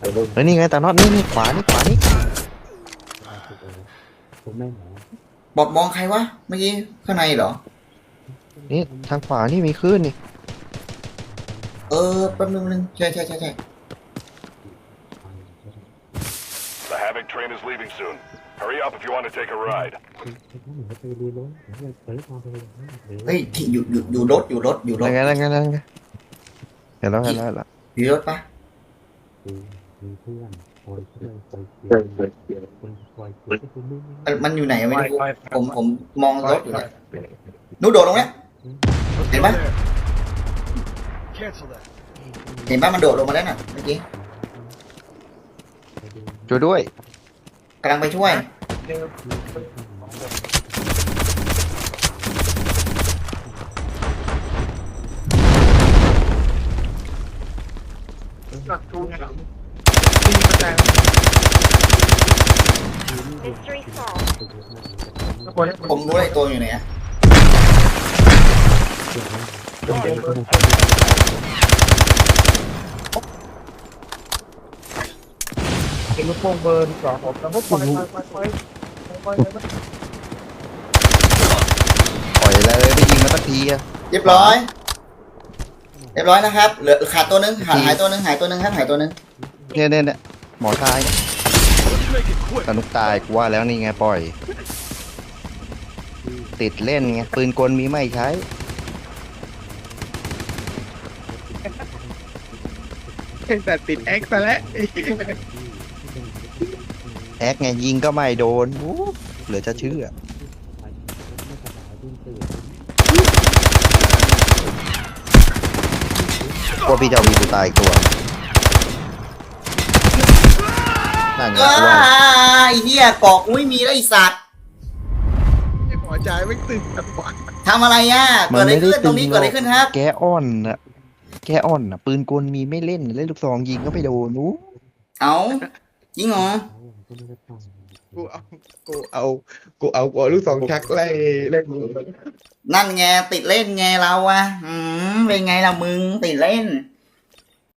เฮ้ยนี่ไงตาน็อตนี่ขวานี่บอดมองใครวะเมื่อกี้ข้างในเหรอนี่ทางขวานี่มีคลื่นนี่แป๊บนึงใช่ The Havoc train is leaving soon. Hurry up if you want to take a ride. เฮ้ยที่อยู่รถอยู่รถนั่นไงเห็นแล้วอยู่รถปะมันอยู่ไหนไม่รู้ผมมองรถอยู่เนี่ยนู้โดดลงแล้วเห็นปะเห็นปะมันโดดลงมาแล้วน่ะเมื่อกี้ช่วยด้วยกำลังไปช่วยผมรู้ไอ้ตัวอยู่ไหนอะเป็นลูกโป่งเบิร์นก่อนผมแล้วก็ปล่อยเลยไปยิงมาสักทีอะเรียบร้อยนะครับเหลือขาดตัวนึงหายตัวนึงครับหายตัวนึงเนี่ยหมอตายสนุกตายกูว่าแล้วนี่ไงปล่อยติดเล่นไงปืนกลมีไม่ใช้แต่ติดแอ็กซ์ซะแล้วแอคไงยิงก็ไม่โดนเหลือจะเชื่อพวกพี่เจ้ามีกูตายอีกตัวนั่นไงกูว่าไอ้เหี้ยกอกไม่มีแล้วไอ้สัตว์หัวใจไม่ตื่นแบบว่าทำอะไรอ่ะเกิดอะไรขึ้นตรงนี้เกิดอะไรขึ้นครับแกอ่อนน่ะปืนกลมีไม่เล่นลูกซองยิงก็ไม่โดนเอาจริงเหรอกูเอาลูกสองชักไล่นั่นไงติดเล่นไงเราอะเป็นไงล่ะมึงติดเล่น